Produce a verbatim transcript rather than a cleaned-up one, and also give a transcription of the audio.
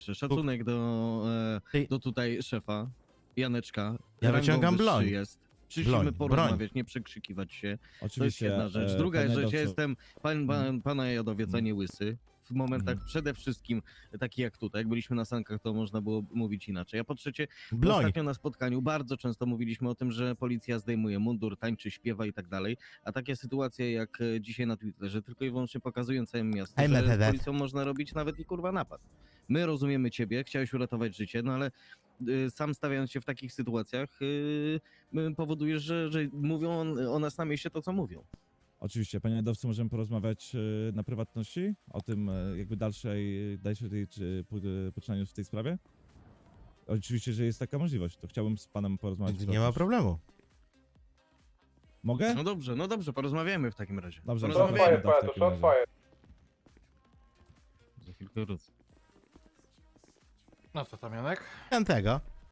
Szacunek do, Ty- e, do tutaj szefa, Janeczka. Ja Rangą wyciągam wyższy broń. Jest. Przyszliśmy Broń, porozmawiać, nie przekrzykiwać się. To jest Oczywiście. jedna rzecz. e, Druga panie rzecz, ja Adolfo, jestem pan, pan, pana Jadowiec, a Mhm. nie łysy. W momentach Mhm. przede wszystkim taki jak tutaj, jak byliśmy na sankach, to można było mówić inaczej. A po trzecie, Broń. ostatnio na spotkaniu bardzo często mówiliśmy o tym, że policja zdejmuje mundur, tańczy, śpiewa i tak dalej, a takie sytuacje jak e, dzisiaj na Twitterze tylko i wyłącznie pokazują całym miastu, Ej, że me, me, z me. policją można robić nawet i kurwa napad. My rozumiemy ciebie, chciałeś uratować życie, no ale y, sam stawiając się w takich sytuacjach y, y, powodujesz, że, że mówią o, o nas na mieście to, co mówią. Oczywiście, panie Adolfo, możemy porozmawiać e, na prywatności o tym e, jakby dalszej, dalszej czy po- e, poczynaniu w tej sprawie? Oczywiście, że jest taka możliwość, to chciałbym z panem porozmawiać. Nie ma prywatnie. problemu. Mogę? No dobrze, no dobrze, porozmawiamy w takim razie. Dobrze, porozmawiamy. zapraszam w takim razie. Za chwilkę wrócę. No co tam, Janek? Ten tego.